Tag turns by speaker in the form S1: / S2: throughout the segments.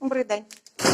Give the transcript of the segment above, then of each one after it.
S1: Добрий день.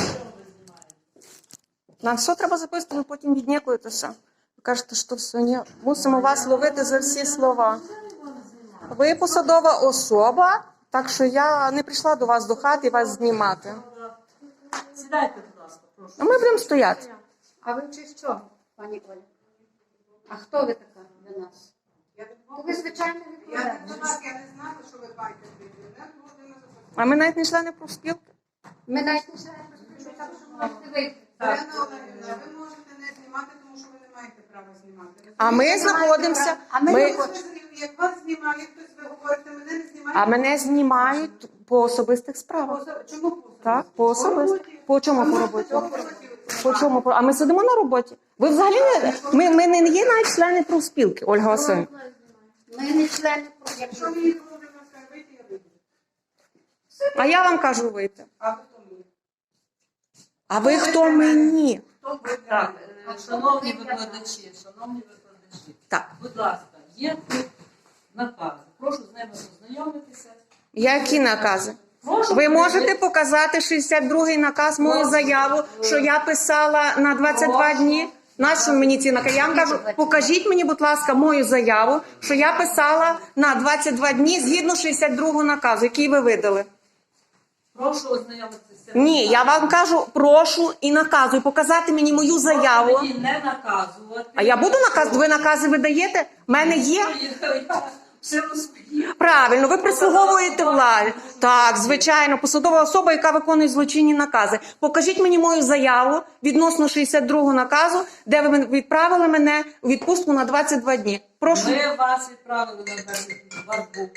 S1: Нам все треба записати, ви потім віднікуєтеся. Ви кажете, що все, ні. Мусимо вас ловити за всі слова. Ви посадова особа, так що я не прийшла до вас до хати і вас знімати.
S2: Сідайте, будь ласка, прошу.
S1: А ми будемо стояти.
S3: А ви чи що, пані Оля? А хто ви така для нас? Ви, звичайно,
S4: Я не знала, що ви бачите.
S1: А ми навіть не члени профспілки.
S3: Ми навіть не знаємо, що так, що можете вийти.
S4: Олена Олегівна, ви можете не знімати, тому що ви не маєте права знімати.
S1: А ми знаходимося.
S4: Як вас знімає хтось, ви говорите, мене не знімають.
S1: А мене знімають по особистих справах.
S4: Чому по
S1: Так, по особистих. По чому по роботі? По
S4: роботі?
S1: чому? А ми сидимо на роботі. Ви взагалі не... Ми не є навіть члени профспілки, Ольга Васильівна.
S3: Ми не члени профспілки.
S4: Якщо мені говорите, вийти, я вийду.
S1: А я вам кажу вийти.
S4: А ви хто мені?
S1: А ви хто мені?
S4: Хто ви?
S2: Так, шановні викладачі,
S1: Так.
S2: будь ласка, є тут накази. Прошу з ними ознайомитися.
S1: Які накази?
S2: Прошу
S1: Ви можете показати 62-й наказ, мою заяву, що я писала на 22 дні? Нащо мені ці накази? Я вам кажу, покажіть мені, будь ласка, мою заяву, що я писала на 22 дні згідно 62-го наказу, який ви видали.
S2: Прошу ознайомитися.
S1: Ні, я вам кажу, прошу і наказую показати мені мою заяву.
S2: Мені не наказувати.
S1: А я буду наказувати? Ви накази видаєте? В мене є?
S2: Я все розповім.
S1: Правильно, ви прислуговуєте владі. Так, звичайно, посадова особа, яка виконує злочинні накази. Покажіть мені мою заяву відносно 62-го наказу, де ви відправили мене у відпустку на 22 дні. Прошу.
S2: Ми вас відправили на 22 дні.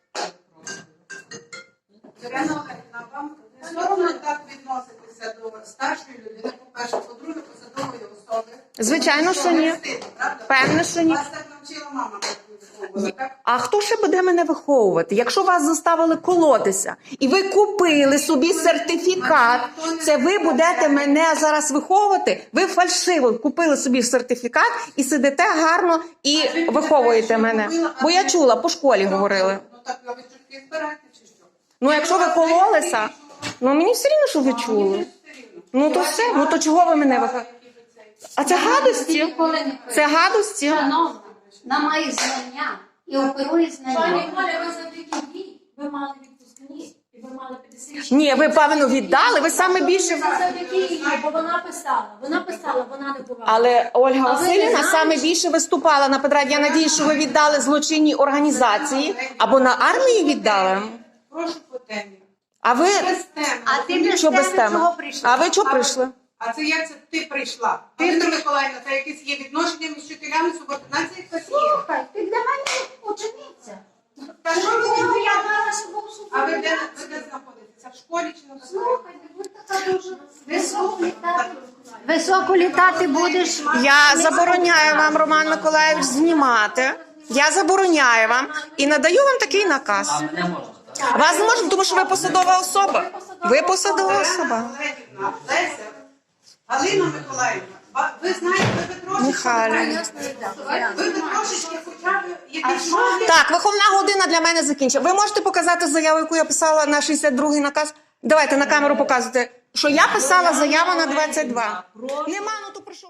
S4: Олена Олегівна, вам не соромно так відноситися до старшої людини, по-перше, по-друге, посадової особи.
S1: Звичайно, що ні.
S4: Не встидно, правда?
S1: Певне, що ні.
S4: Вас так навчила мама, так виховувала, так?
S1: А хто ще буде мене виховувати? Якщо вас заставили колотися, і ви купили собі сертифікат, це ви будете мене зараз виховувати? Ви фальшиво купили собі сертифікат і сидите гарно і виховуєте мене. Бо я чула, по школі говорили.
S4: Ну так, а ви чутки збираєте чи що?
S1: Ну, якщо ви кололися, ну мені все рівно, що ви чули. Ну то все, ну то чого ви мене виховуєте? А це гадості? Це гадості?
S3: Шановна, вона має знання і оперує
S5: Пані
S3: знання.
S5: Оля, ви завдяки їй, ви мали відпускні, і ви мали 56.
S1: Ні, ви, певно, віддали, ви саме більше...
S5: Це завдяки їй, бо вона писала, вона не бувала.
S1: Але Ольга
S3: А ви не
S1: Васильівна
S3: знаєте?
S1: саме більше виступала на Петраді. Я надіюсь, що ви віддали злочинній організації або на армію віддали.
S4: Прошу по темі.
S1: А ви...
S4: Без теми.
S3: А ти без
S1: Що без
S3: теми
S1: теми?
S3: чого прийшла?
S1: А ви чого прийшли?
S4: А це як це ти прийшла? Віктор Миколаївна, це якесь є відношення між вчителями, субординація якась є?
S3: Слухай, ти для мене учениця.
S4: Та що ви
S3: Ну,
S4: робите?
S3: я зараз був
S4: А ви де знаходитеся? В школі чи на базарі?
S3: Слухай, ти будь така дуже високо літати. Високо літати будеш.
S1: Я забороняю вам, Роман Миколаївич, знімати. Я забороняю вам і надаю вам такий наказ.
S2: Мене можна.
S1: Вас не можна, тому що ви посадова особа. Ви посадова особа.
S4: Олена Олегівна, Леся, Галина Миколаївна, ви знаєте, ви трошечки...
S1: Михайлівна.
S4: Ви трошечки хоча б якісь мали...
S1: Так, виховна година для мене закінчена. Ви можете показати заяву, яку я писала на 62-й наказ? Давайте на камеру показуйте, що я писала заяву на 22. Нема, ну то прийшов.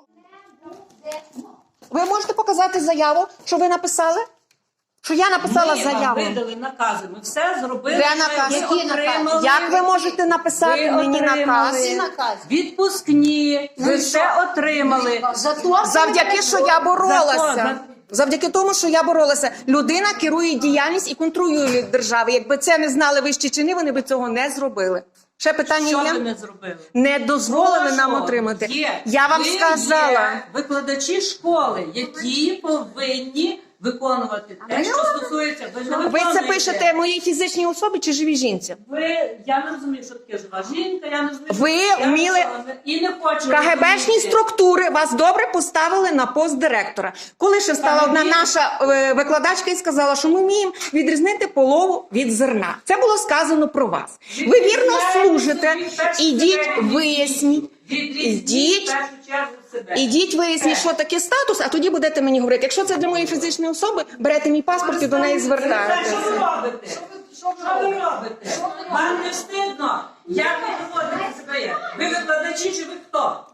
S1: Ви можете показати заяву, що ви написали? Що я написала
S2: Ми вам
S1: заяву?
S2: видали накази, ми все зробили.
S1: Де наказ?
S2: ми
S3: Які
S2: отримали.
S3: накази?
S1: Як ви можете написати
S2: Ви
S1: мені
S2: отримали.
S1: наказ?
S3: Всі накази.
S2: Відпускні, ви
S3: і
S2: все отримали.
S3: Зато
S1: Завдяки, що я боролася.
S2: Закон.
S1: Завдяки тому, що я боролася. Людина керує діяльність і контролює держави. Якби це не знали вищі чини, вони б цього не зробили. Ще питання
S2: Що
S1: є?
S2: ви не зробили?
S1: Не дозволили
S2: Прошу,
S1: нам отримати.
S2: є.
S1: Я вам
S2: Ви
S1: сказала.
S2: є викладачі школи, які повинні виконувати те, що стосується. Ви не
S1: Ви це
S2: виконуєте.
S1: пишете моїй фізичній особі чи живій жінці?
S2: Я не розумію, що таке жива жінка, я не розумію,
S1: Ви
S2: що таке
S1: вміли-
S2: і не хочу
S1: КГБшні
S2: розуміти.
S1: структури вас добре поставили на пост директора. Коли ще встала одна наша викладачка і сказала, що ми вміємо відрізнити полову від зерна. Це було сказано про вас. Ви вірно служите, ідіть виясніть.
S2: Ідіть, в першу чергу себе.
S1: Ідіть виясніть, що таке статус, а тоді будете мені говорити. Якщо це для моєї фізичної особи, берете мій паспорт і до неї
S2: Що
S1: звертаєтеся.
S2: ви робите? Що ви робите? Вам не встидно? Як ви поводитеся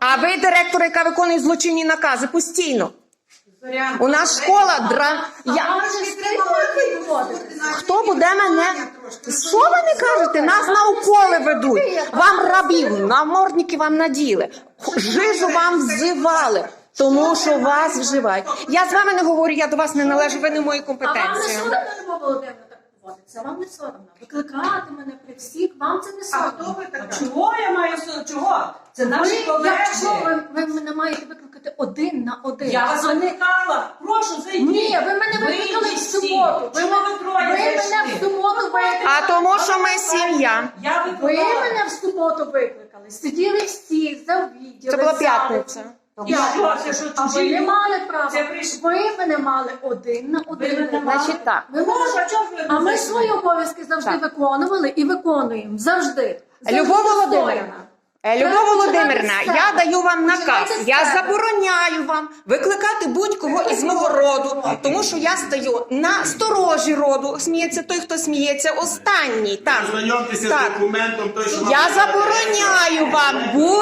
S1: А ви директор, яка виконує злочинні накази постійно. У нас школа Хто буде мене? Що ви не кажете? Нас на уколи ведуть. Вам рабів, намордники вам наділи. Жижу вам взивали. Тому що вас вживають. Я з вами не говорю, я до вас не належу, ви не в моїй
S5: А вам не
S1: компетенції.
S5: соромно, Любов Володимирівна, так поводиться? Вам не соромно? Викликати мене при всіх, вам це не
S4: А хто
S5: соромно?
S4: ви така?
S2: Чого я маю чого? Це наші колеги.
S5: Якщо ви мене маєте викликати один на один.
S2: Я вас
S5: а не-
S2: викликала. Прошу, зайдіть.
S5: Ні, ви мене викликали в
S2: Вийдіть
S5: суботу.
S2: всі. Чого ви троє
S5: Ви мене
S2: зайшли?
S5: в суботу викликали.
S1: А тому, що ми сім'я.
S2: Я
S5: Ви
S2: викликала.
S5: мене в суботу викликали. Сиділи всі за відділи.
S1: Це була
S5: за-
S1: п'ятниця.
S2: І що, це що,
S5: А ви
S2: чужі
S5: не
S2: люди?
S5: мали права.
S2: Це прийшло.
S5: Ви мене мали один на
S2: Ви
S5: один.
S2: мене мали?
S1: Значить так.
S5: Ви
S2: Боже,
S5: можете-
S2: а чого ж ви
S5: А ми
S2: не
S5: свої обов'язки завжди
S1: Так.
S5: виконували і виконуємо. Завжди. Завжди
S1: Любов
S5: достойно.
S1: Володимирівна, Любов
S5: Треба
S1: Володимирівна,
S5: починати
S1: я
S5: з себе.
S1: даю вам наказ.
S5: Починайте з
S1: Я
S5: себе.
S1: забороняю вам викликати будь-кого із мого роду, тому що я стою на сторожі роду. Сміється той, хто сміється, останній. Так,
S6: Ознайомтеся
S1: так.
S6: з документом, той, що
S1: Я забороняю вам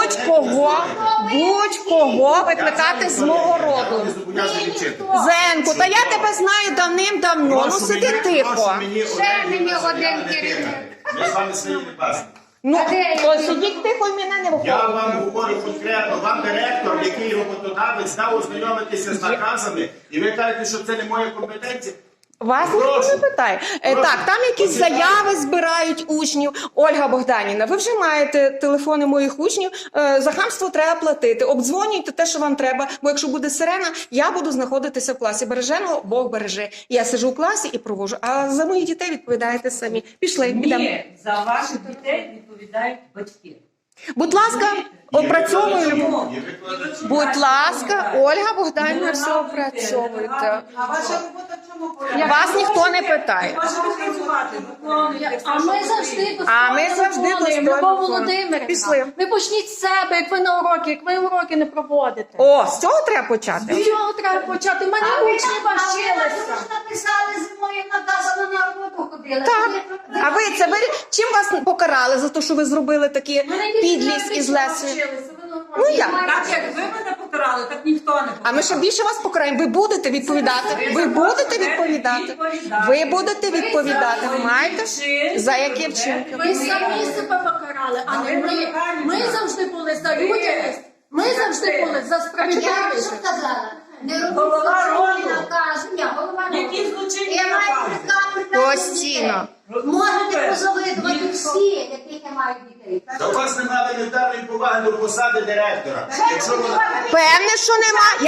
S1: будь-кого викликати з мого роду. Зенку, та я тебе знаю давним-давно. Ну сиди тихо.
S3: Ще мені один керівник.
S6: Ми з вами свої не бачимо.
S1: Ну, то сидіть тихо і мене не
S6: Я
S1: виходить.
S6: вам говорю конкретно, вам директор, який роботодавець, дав ознайомитися з наказами, і ви кажете, що це не моя компетенція.
S1: Вас ніхто
S6: Прошу.
S1: не питає. Так, там якісь
S6: Почитайте.
S1: заяви збирають учнів. Ольга Богданівна, ви вже маєте телефони моїх учнів. За хамство треба платити. Обдзвонюйте те, що вам треба. Бо якщо буде сирена, я буду знаходитися в класі. Береженого Бог береже. Я сиджу в класі і провожу. А за моїх дітей відповідаєте самі. Пішли, підемо.
S2: Ні, за ваших дітей відповідають батьки.
S1: Будь ласка, опрацьовуємо.
S2: Чому?
S6: І викладачі.
S1: Будь ласка, Ольга Богданівна, все опрацьовуйте.
S4: А ваша робота в чому полягає?
S1: Вас ніхто не питає.
S2: Можете працювати, виконуйте.
S5: А ми завжди
S1: А ми завжди
S5: виконуємо.
S1: достойно
S5: Любов
S1: виконуємо.
S5: Володимирівна,
S1: Пішли.
S5: ви почніть з себе, як ви на уроки, як ви уроки не проводите.
S1: О, з цього треба почати.
S5: З цього треба почати. В мене учні вчилися.
S3: Ви ж написали зимою наказано на роботу ходили.
S1: Так. А ви це ви чим вас покарали за те, що ви зробили такі підлість із Лесею? Ну як?
S2: Так як ви мене покарали, так ніхто не покарав.
S1: А ми ще більше вас покараємо. Ви будете відповідати. Ви будете відповідати. Ви будете відповідати. Ви маєте за які вчинки?
S5: Ви самі себе покарали, а не ми. Ми завжди були за людяність. Ми завжди були за
S3: Я що
S5: справедливість.
S3: сказала? Не робіть
S2: Голова
S3: злочинні
S2: роду.
S3: накази. Ні, голова роду.
S2: Які злочинні
S3: Я маю
S2: накази?
S3: приказ
S1: Постійно.
S3: Можете позавидувати всі, яких я маю дітей.
S6: Та у вас немає елементарної поваги до посади директора. Якщо вона...
S1: Певне, що нема.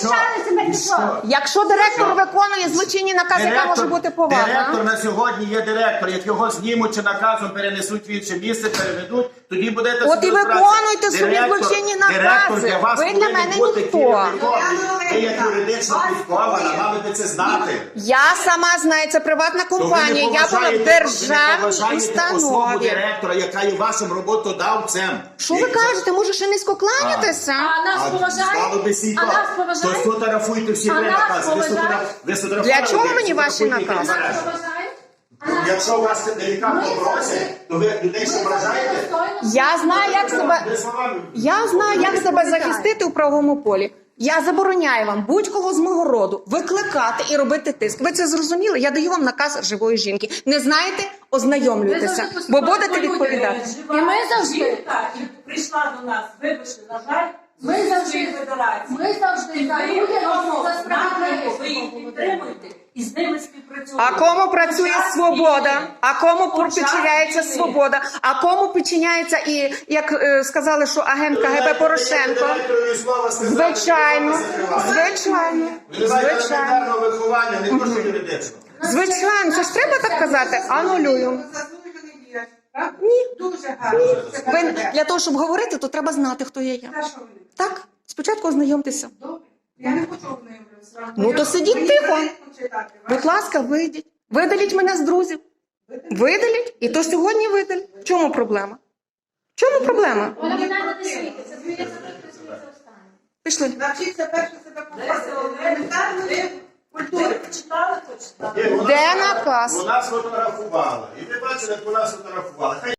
S6: Що?
S1: Якщо директор виконує злочинні накази, яка може бути повага?
S6: Директор на сьогодні є директор. Як його знімуть чи наказом перенесуть в інше місце, переведуть, тоді будете
S1: От і
S6: собі розбиратися.
S1: виконуйте собі
S6: Директор-
S1: злочинні
S6: Директор
S1: накази.
S6: для вас
S1: Ви для
S6: повинен
S1: мене
S6: бути
S1: ніхто.
S6: керівником. Ви як юридично підкована, маєте це знати.
S1: Я сама знаю, це приватна
S6: То ви не
S1: компанія. Я була в
S6: поважаєте- ви не
S1: державній
S6: поважаєте особу
S1: установі.
S6: директора, яка є вашим роботодавцем.
S1: Що ви кажете? Може, ще низько кланятися?
S5: А нас
S6: Стало
S5: поважають?
S6: би сі
S5: А нас
S6: То
S5: поважають?
S6: сфотографуйте всі
S5: А
S6: три
S5: нас
S6: накази. Ви
S5: поважають?
S6: сфотографували,
S1: Для чого
S6: ви
S1: мені ваші
S6: сфотографуйте
S1: накази?
S6: і
S5: Нас
S6: збережете.
S5: поважають? А нас-
S6: Якщо вас делікатно
S5: Ми
S6: просять,
S5: завжди-
S6: то ви людей що
S5: Ми завжди
S6: вражаєте?
S5: достойно
S1: Я знаю, як себе.
S6: Ви словами.
S1: Я знаю, як себе захистити у правовому полі. Я забороняю вам будь-кого з мого роду викликати і робити тиск. Ви це зрозуміли? Я даю вам наказ живої жінки. Не знаєте?
S5: Ви
S1: Ознайомлюйтеся,
S5: завжди
S1: бо
S5: поступаєте
S1: будете
S5: по-людськи.
S1: відповідати.
S2: Жива
S5: І ми завжди-
S2: жінка, і прийшла до нас, вибачте, на жаль,
S5: Ми
S2: з
S5: завжди-
S2: Російської Федерації.
S5: ми завжди
S2: І
S5: за
S2: ви
S5: людяність,
S2: в тому
S5: за
S2: напрямку,
S5: справедливість.
S2: ви їх підтримуєте і з ними співпрацюєте.
S1: А кому працює
S2: Під час
S1: свобода?
S2: війни.
S1: А кому
S2: Під час
S1: підчиняється
S2: війни.
S1: свобода? А кому підчиняється і, як сказали, що агент КГБ Порошенко?
S6: Директорові слова сказати,
S1: Звичайно,
S6: що вас закривати.
S1: звичайно,
S6: Ви не маєте
S1: звичайно.
S6: елементарного виховання, не то що юридичного.
S1: Звичайно, це ж треба так казати. Анулюю.
S4: Заслужений діяч, правда?
S1: Ні.
S4: Дуже гарно. Це
S1: Ви
S4: КГБ.
S1: для того, щоб говорити, то треба знати, хто є я.
S4: Та що ви?
S1: Так, спочатку ознайомтеся.
S4: Добре. Я не хочу ознайомитися.
S1: Ну, то сидіть
S4: Мені
S1: тихо.
S4: порядку читати.
S1: Будь ласка, вийдіть. Видаліть мене з друзів. Видаліть, і то сьогодні видаліть. В чому проблема? В чому проблема?
S5: Вона мене не світиться. Зміється, прикресується останнє.
S1: Пішли.
S4: Навчіться перше себе поводити. Елементарної
S2: Ви
S4: культури.
S2: почитали, почитали.
S6: Ні, вона-
S1: Де наказ?
S6: Вона сфотографувала. І ви бачили, як вона сфотографувала. Хай